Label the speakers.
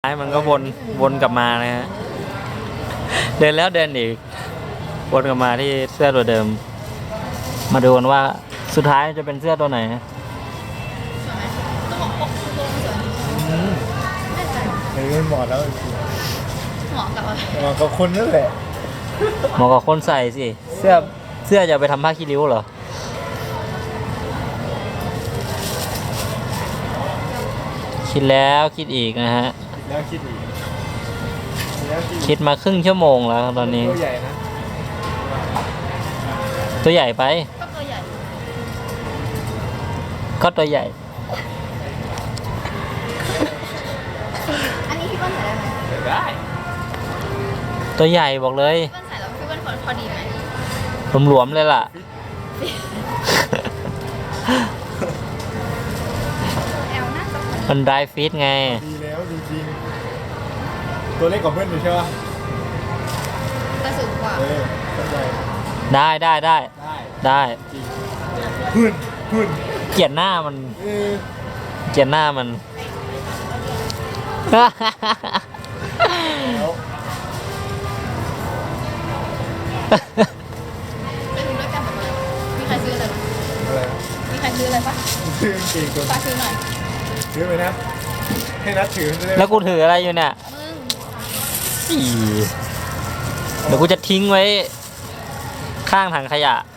Speaker 1: มันก็วนกลับมานะฮะเดินแล้วเดินอีกวนกลับมาที่เสื้อตัวเดิมมาดูกันว่าสุดท้ายจะเป็นเสื้อตัวไหน
Speaker 2: เหมาะแล้ว
Speaker 3: เหมาะกับอะไร
Speaker 2: เหมาะกับคนนั่นแหละ
Speaker 1: เหมาะกับคนใส่สิเสื้อจะไปทำผ้าคีริ้วเหรอคิดแล้วคิดอีกนะฮะ
Speaker 2: แล้วคิดอีกแล้วคิด
Speaker 1: คิดมาครึ่งชั่วโมงแล้วตอนนี้
Speaker 2: ตัวใหญ่นะ
Speaker 1: ตัวใหญ่ไป
Speaker 3: ก็ตัวใหญ่
Speaker 1: ก็ตัวใหญ่
Speaker 3: อันนี้พี่เปิ้ลใส่ได้ไหม
Speaker 2: ได้
Speaker 1: ตัวใหญ่บอกเลย
Speaker 3: พี่เปิ้ลใส่แล้วพี่เปิ้ลพอดีไหม
Speaker 1: หลวมๆเลยล่ะ
Speaker 3: แอลน่าจะพอดี
Speaker 1: มันไดรฟิตไง
Speaker 2: ดีแล้วจริงๆตัวเล็กกว่าเพื่อนอยู่ใช่ปะ
Speaker 3: แต่สูงกว่า
Speaker 2: ตัวใหญ่
Speaker 1: ได้
Speaker 2: ได้
Speaker 1: ได้
Speaker 2: จริงพื้น
Speaker 1: เกลียดหน้ามัน
Speaker 2: เออ
Speaker 1: เกลียดหน้ามัน
Speaker 2: แล้ว
Speaker 3: ไปดูด้วยกันแบบอะไรมีใครซื้ออะไรปะ
Speaker 2: อะไร
Speaker 3: มีใครซื้ออะไรปะ
Speaker 2: ซื้อกางเกงตัว
Speaker 3: ฝากซื้อหน่อย
Speaker 2: ซื้อไปนะให้นัดถือจะได้
Speaker 1: แล้วกูถืออะไรอยู่เนี่ย
Speaker 3: มึง
Speaker 1: อีเดี๋ยวกูจะทิ้งไว้ ข้างถังขยะ